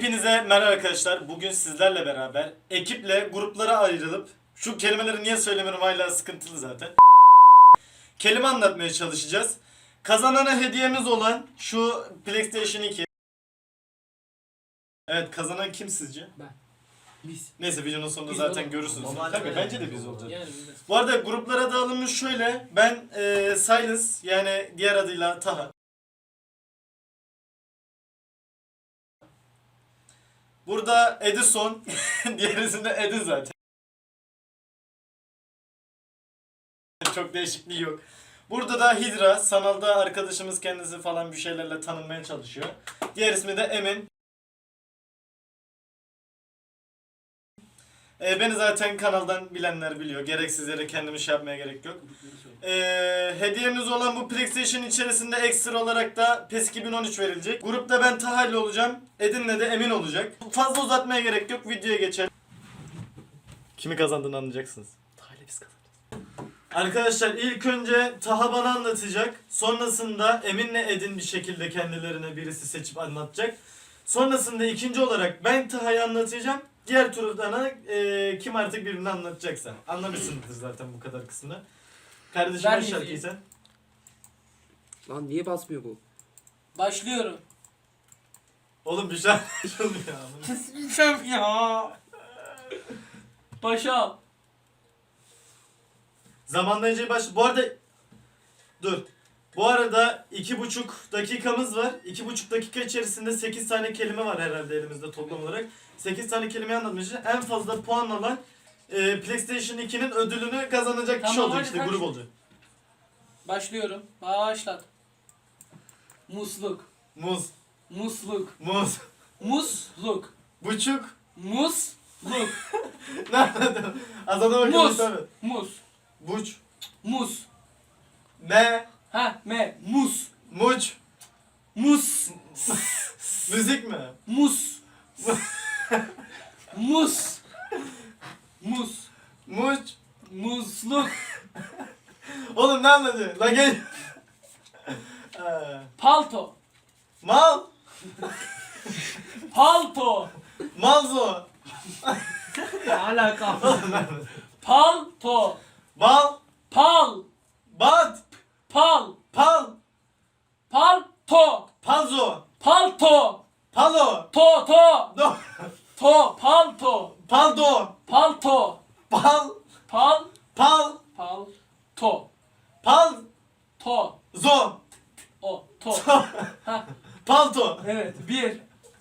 Hepinize merhaba arkadaşlar. Bugün sizlerle beraber ekiple gruplara ayrılıp şu kelimeleri niye söylemiyorum hala sıkıntılı zaten. Kelime anlatmaya çalışacağız. Kazanana hediyemiz olan şu PlayStation 2. Evet, kazanan kim sizce? Ben. Biz. Neyse videonun sonunda Biz zaten olalım. görürsünüz. Normalde Tabii öyle. bence de biz olacağız. Yani biz de. Bu arada gruplara dağılımımız şöyle. Ben Silence, yani diğer adıyla Taha. Burada Edison, diğer ismi de Edi zaten. Çok değişikliği yok. Burada da Hidra, sanalda arkadaşımız kendisi falan bir şeylerle tanınmaya çalışıyor. Diğer ismi de Emin. Beni zaten kanaldan bilenler biliyor. Gereksiz yere kendimi şey yapmaya gerek yok. Hediyemiz olan bu PlayStation içerisinde ekstra olarak da PES 2013 verilecek. Grupta ben Taha'yla olacağım. Edin'le de Emin olacak. Fazla uzatmaya gerek yok. Videoya geçelim. Kimi kazandığını anlayacaksınız. Taha'yla biz kazanacağız. Arkadaşlar ilk önce Taha bana anlatacak. Sonrasında Emin'le Edin bir şekilde kendilerine birisi seçip anlatacak. Sonrasında ikinci olarak ben Taha'yı anlatacağım. Diğer turda kim artık birini anlatacaksa. Anlamışsınızdır zaten bu kadar kısmını. Kardeşim Ver aç şarkıyı müziği. sen. Lan niye basmıyor bu? Başlıyorum. Oğlum bir şarkı çalıyor ya. Şef ya. Başa al. Zamanlayıcıya baş... Bu arada... Dur. Bu arada 2,5 dakikamız var. 2,5 dakika içerisinde 8 tane kelime var herhalde elimizde toplam olarak. 8 tane kelime anlatmışız. En fazla puan alan PlayStation 2'nin ödülünü kazanacak kişi Tamam, olacak, hadi işte kaç? grup olacak. Başlıyorum. Başlat. Musluk. Muz. Musluk. Muz. Musluk. Buçuk. Musluk. Nerede? Adana bakalım Muz. tabii. Muz. Buç. Muz. Me. Ha me. Muz. Muç. Mus. Müzik mi? Mus. Mus. Mus. Muç. Musluk. Oğlum ne anladı? La gel. Palto. Mal. Palto. Malzo. Ne alaka? Palto. Bal. Pal. Bat. Pal. Pal. Palto. Palzo. Palto. Palo. To to. Do. To. Palto. Paldo. Palto. Pal. Pal. Pal. Pal. To. Pal. To. Zo. O. To. Ha. Palto. Evet. Bir.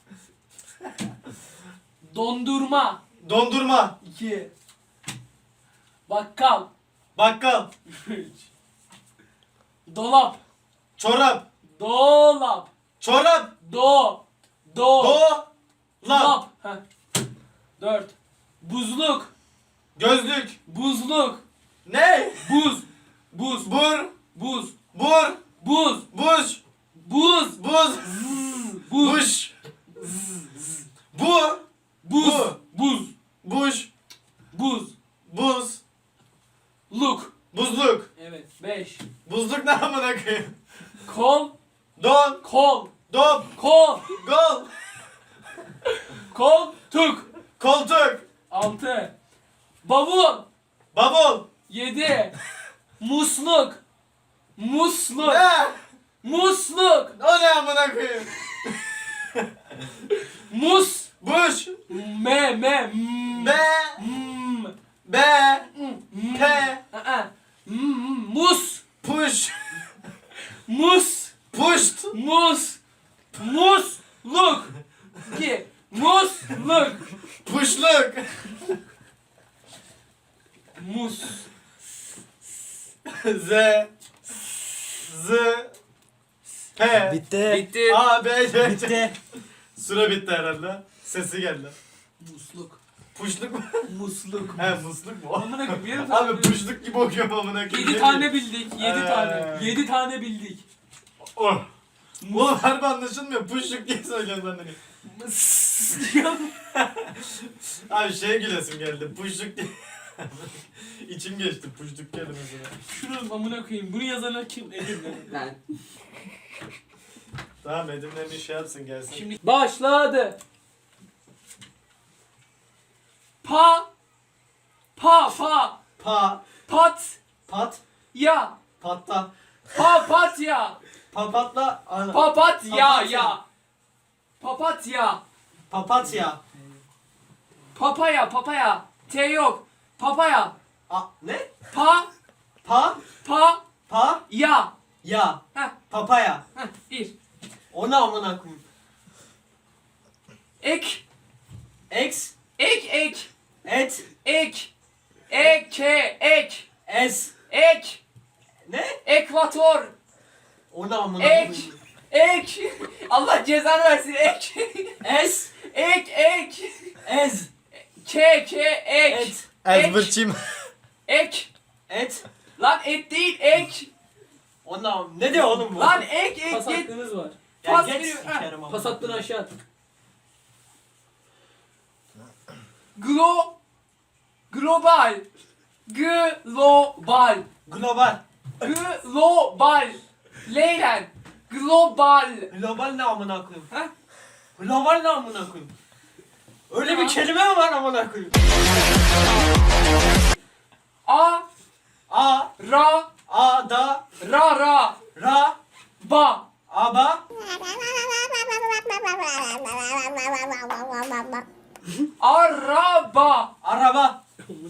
Dondurma. Dondurma. 2. Bakkal. Bakkal. 3. Dolap. Çorap. Dolap. Çorap. Do. Do. Lap. Dolap. 4. Buzluk. Gözlük. Buzluk. Ne? Buz. Buz. Bur. Buz. Bur. Buz. Buş. Buz. Buz. Buz. Buş. Bu. Buz. Bu. Buz. Buş. Buz. Buz. Luk. Buzluk. Evet. 5. Buzluk ne amına koyayım? Kol. Don. Kol. Dop. Kol. Gol. Koltuk. Koltuk. 6. Bavul. Bavul. 7. Musluk. Musluk. Ne? Musluk. O ne amına koyayım? Mus. Buş. Me. Be. M. Be. M. Pe. Mus. Puş. Mus. Puşt. Mus. Musluk. 2. Musluk. Puşluk. Mus. Z. Z. P. Bitti. Bitti. A, B, C, C. Bitti. Süre bitti herhalde. Sesi geldi. Musluk. Puşluk mu? Musluk. He musluk mu? Amına koyayım. Yarım Abi puşluk gibi okuyorum amına koyayım. 7 tane bildik. 7 tane. 7 tane bildik. Oh. Oğlum harbi anlaşılmıyor. Puşluk diye söylüyorum ben de. Abi şeye gülesim geldi. Puşluk diye. İçim geçti puşluk kelimesine. Şunu amına koyayım. Bunu yazana kim? Edirne. Ben. Tamam Edim'le bir şey yapsın gelsin. Şimdi başladı. Pa. Pa. Pa. Pat. Pat. Ya. Patla. Papatya. Papatla. Papatya ya. Papatya. Papatya. Papaya. T yok. Papaya. Ne? Pa. Pa. Ya. Ya. Heh. Papaya. Bir. O ne amına koyayım? Ek. X. Ek. Et. Ek. Es. Ek. Ne? Ekvator. O ne amına Ek. koyayım? Ek. Allah cezanı versin. Ek. Es. Ek. Ez. Ek. Et. Ezberçim. Ek. Et. Lan et değil ek. O ne diyor oğlum bu? Lan ek. Pas Git. hakkınız var. Ya pas geç veriyor, ha. sikerim amına Pas hattını koyayım. aşağı at. Global. Global. Global. Leylen. Global. Global ne amına koyayım? Ha? Global ne amına koyayım? Öyle bir kelime mi var amına koyayım? A. A. Ra. A. Da. Ra. Ra. Ba. Aba. Araba. Araba.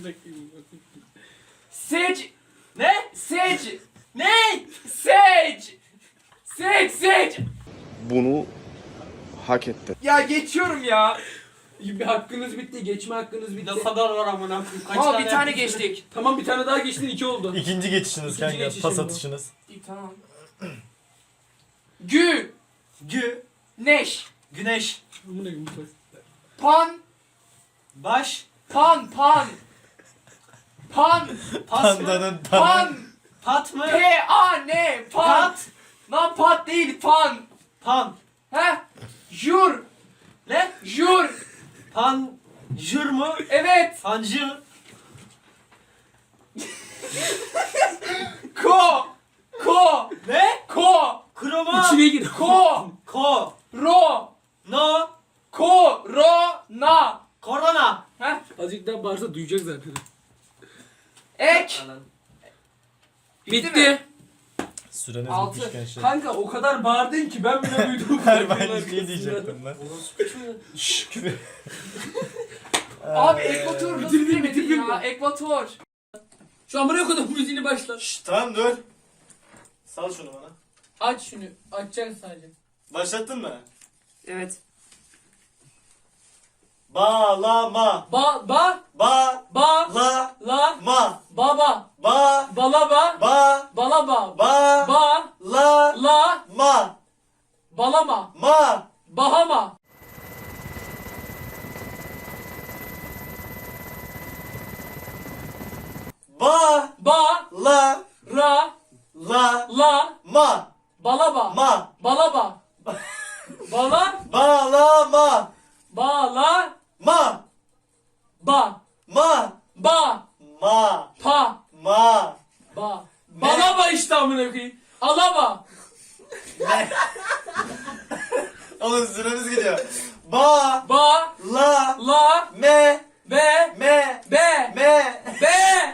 Sec. Ne? Sec. Ne? Sec. Bunu hak etti. Ya geçiyorum ya. Bir hakkınız bitti. Geçme hakkınız bitti. Ne kadar var amına koyayım? Kaç Ama bir tane yapmışsın? geçtik. Tamam bir tane daha geçtin 2 oldu. İkinci geçişiniz İkinci kanka. geçişim Pas bu. atışınız. İyi tamam. Gü. Gü. Neş. Güneş. Amına koyayım bu pas. Pan. Baş. Pan. Pas mı? Pandanın Pan. Pat mı? P-A-N. Pan. Pat. Lan pat değil pan. Pan. He? Jur. Ne? Jur. Panjur mu? Evet. Panjur. Ko. Ne? Ko. Kuruma. İçine gir. Ko. Ko. Ro. No. Korona. Korona. He? Azıcık daha bağırsa duyacak zaten. Ek. Bitti. Süreniz Altı. bitmiş gençler. Kanka o kadar bağırdın ki ben bile duydum. Her aynı şeyi diyecektim ben. Şşş küfür. Abi ekvator nasıl Bitirdim, bilemedin bitirdim ya? ben. Ekvator. Şu amına koydum müziğini başla. Şşş tamam dur. Sal şunu bana. Aç şunu. Açacaksın sadece. Başlattın mı? Evet. Bağlama. Ba. Ba. La. La. Ma. Baba. Ba. Balaba. Ba. Balaba. Ba. Ba. La. La. Ma. Balama. Ma. Bahama. Ba. Ba. La. Ra. La. La. Ma. Balaba. Ma. Balaba. Bala. Bağlama. Bala. Ma. Ba. Ma. Ba. Ma. Pa. Ma. Ba. Balaba işte amına koyayım. Alaba. Oğlum süremiz gidiyor. Ba. Ba. La. La. Me. Be. Me. Be. Me. Be.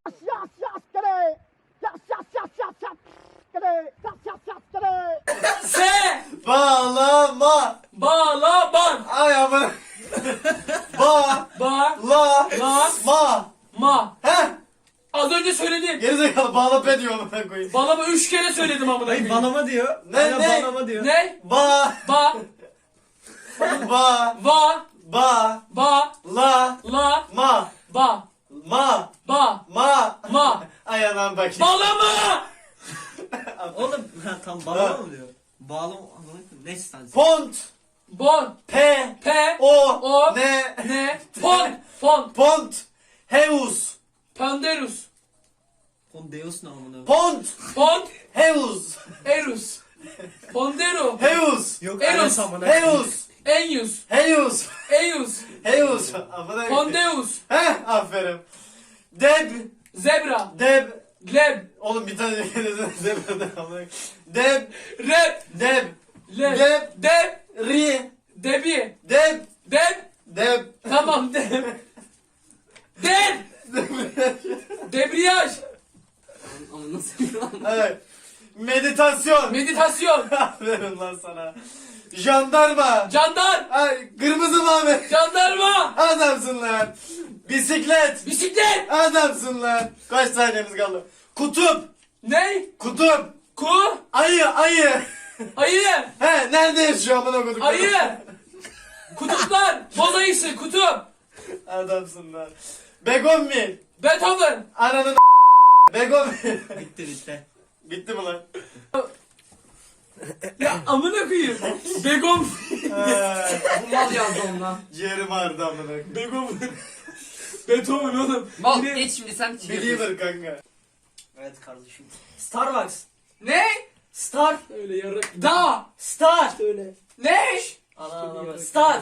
Se. Bağlama. Balaban. Ay aman. Ba. Ba. La. La. Ma. Ma. Heh. Az önce söyledim. Gerizekalı bağla pe diyor amına koyayım. Balaba 3 kere söyledim amına Hayır koyayım. banama diyor. Ne, Hala ne? banama diyor. Ne? Ba. Ba. Ba. Va. Ba. Ba. La. La. Ma. Ba. Ma. Ba. Ma. Ma. Ay anam bakayım. Balama. Oğlum tam banama mı diyor? Bağlama amına koyayım. Neyse sen. Pont. Bon. Pe. Pe. O. O. Ne. Ne? Pon. Pon. Pont. Heus. Panderus. Pondeus ne amına? Pont. Pon. Heus. Erus. Pondero. Heus. Yok Eros. Eros amına. Heus. Enyus. Heus. Eyus. Heus. Amına koyayım. Pondeus. Heh aferin. Deb. Zebra. Deb. Gleb. Oğlum bir tane zebra amına koyayım. Deb. Rep. Deb. Leb. Deb. Deb. Ri. Debi. Deb. Deb. Deb. Tamam deb. Meditasyon. Meditasyon. Aferin lan sana. Jandarma. Candar. Ay, kırmızı mavi. Jandarma. Adamsın lan. Bisiklet. Bisiklet. Adamsın lan. Kaç saniyemiz kaldı? Kutup. Ne? Kutup. Ku. Ayı. Ayı. He, nerede yaşıyor amına koyduk? Ayı. Kutuplar. Boz ayısı. Kutup. Adamsın lan. Begonvil. Beethoven. Ananın Begonvil. Bitti. Bitti mi lan? Ya amına koyayım. Begom. Bu mal yazdı ondan. Ciğerim ağrıdı amına koyayım. Begom. Beethoven oğlum. Mal Yine- geç şimdi sen şey Believer kanka. Evet kardeşim. Starbucks. Ne? Star. Öyle yarak. Da. Star. Öyle. Ne? Ana. Star.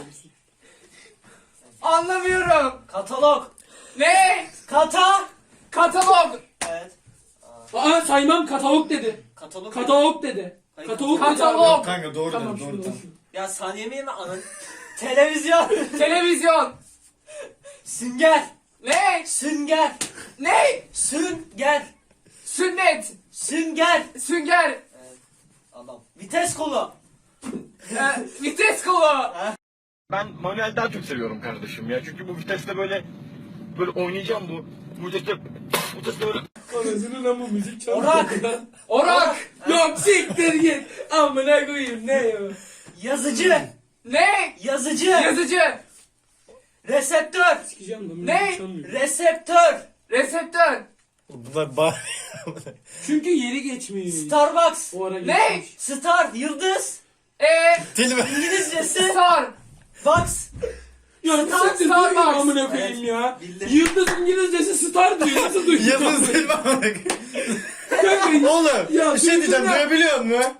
Anlamıyorum. Katalog. Ne? Katalog. Evet. Aa saymam katalog dedi. Katalog. Katalog dedi. Hayır, Katalog dedi. Katalog. abi. Kanka doğru Tamam dedim, şunu doğru tamam. olsun. Ya saniye mi anan? Televizyon. Televizyon. Sünger. Ne? Sünger. Ne? Sünger. Sünnet. Sünger. Sünger. Adam. Vites kolu. Vites kolu. Ben manuel daha çok seviyorum kardeşim ya. Çünkü bu viteste böyle oynayacağım bu viteste böyle. Anasının ama müzik çalıyor. Orak. Orak. Yok siktir git. Amına koyayım ne ya? Yazıcı. Ne? Yazıcı. Yazıcı. Reseptör. Sikeceğim lan. Ne? müzik çalmıyor. Reseptör. Reseptör. Bunlar bağ... Çünkü yeri geçmiyor. Starbucks. O ara Ne? geçmiş. Star. Yıldız. Dil mi? İngilizcesi. Star. Box. Ya Star- siktir Starbucks. duyuyor amına koyayım ya. Bildim. Yıldız İngilizcesi star diyor. Nasıl duyuyor? Yıldız dil mi amına koyayım? Kanka, Oğlum Ya, bir şey diyeceğim, duydun ya. duyabiliyor musun?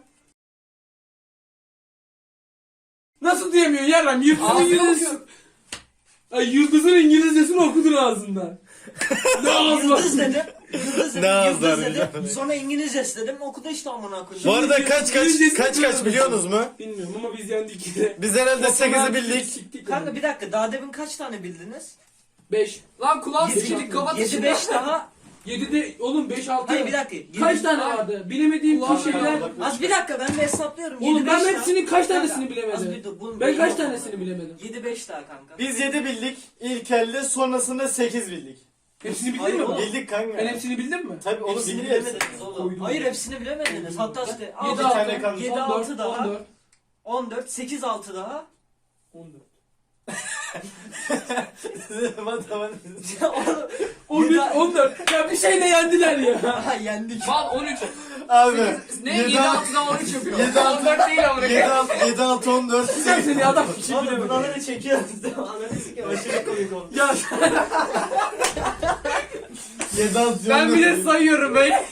nasıl diyemiyor yaram? Yıldızın Ağzını İngilizcesi. okuyor. Ay yıldızın İngilizcesini okudur ağzından. Ne ağzı var? Yıldız dedim. Yıldız dedim. Ne Yıldız ağızlar dedim. bir de. Sonra İngilizcesi dedim. Okudu işte amına koyayım. Bu arada kaç biliyorsunuz mu? Bilmiyorum ama biz yendik yine. Biz herhalde 8'i bildik. Siktik Kanka bir dakika daha demin kaç tane bildiniz? 5. Lan kulağın Yedi- sikildik kapat 7-5 daha. 7'de oğlum 5 6. Hayır bir dakika. Yedi- Kaç tane vardı? Bilemediğim Ulan kişiler. Az bir dakika ben bir hesaplıyorum. Oğlum 7-5 ben daha. hepsinin kaç tanesini Kanka, az bir bilemedim? dur, bunun Ben beyin kaç yok. tanesini bilemedim? 7-5 daha kanka. Biz 7 bildik ilk elde, sonrasında 8 bildik. Hepsini bildin Hayır mi? oğlum. Bildik kanka. Ben hepsini bildim mi? Tabii onu Hepsini biliyoruz. bilemediniz oğlum. Koydum. Hayır hepsini bilemediniz. Hatta işte Yedi 6 tane kaldı. 7 6 daha. 14. 14 8 6 daha. 14. Oğlum 13, Yedi- 14. Ya bir şeyle yendiler ya. aha yendik. Mal 13. Abi. Ne? 7 6'dan 13 yapıyor. 7 14 değil amına koyayım. 7 6 14. Sen seni adam hiç Oğlum bilemedi. buraları çekiyoruz değil mi? Anladın ki aşırı komik oldu. Ya 7 6 Ben bir de sayıyorum böyle.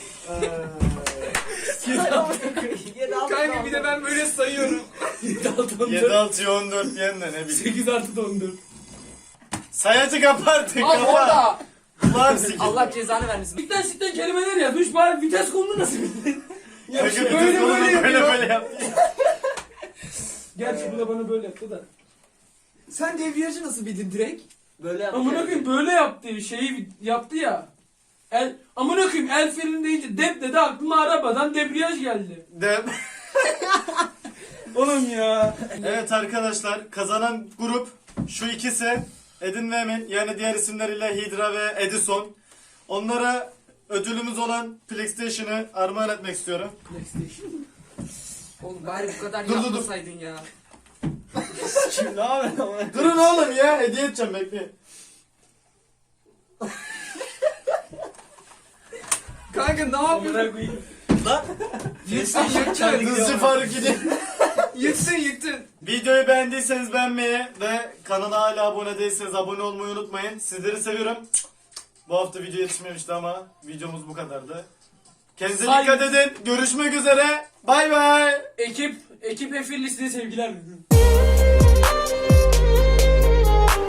7 6 Kanka bir de ben böyle sayıyorum. 7 6 7 14. 6 14 diyen de ne bileyim. 8 artı 14. Sayacı kaparttık. Al orada. Kulağım sikildi. Allah cezanı vermesin. Sikten kelimeler yazmış bari vites kolunu nasıl bildin? Ya Kanka böyle böyle böyle böyle yapıyor. böyle yaptı. Gerçi bu da bana böyle yaptı da. Sen devriyajı nasıl bildin direkt? Böyle yaptı. Amına koyayım böyle yaptı şeyi yaptı ya. Amına koyayım el freni deyince dep dedi aklıma arabadan debriyaj geldi. Oğlum ya. Evet arkadaşlar, kazanan grup şu ikisi, Edin ve Emin, yani diğer isimleriyle Hidra ve Edison. Onlara ödülümüz olan PlayStation'ı armağan etmek istiyorum. PlayStation. Oğlum bari bu kadar Dur, dur, dur. yapmasaydın ya. Şimdi ne yapıyorsun? Durun oğlum ya, hediye edeceğim, bekleyin. Kanka ne yapıyorsun? Amına koyayım. Lan. Yıktın yıktın. Hızlı Faruk gidin. Yıktın yıktın. Videoyu beğendiyseniz beğenmeyi ve kanala hala abone değilseniz abone olmayı unutmayın. Sizleri seviyorum. Bu hafta video yetişmemişti ama videomuz bu kadardı. Kendinize dikkat edin. Görüşmek üzere. Bay bay. Ekip Efirlisine sevgiler.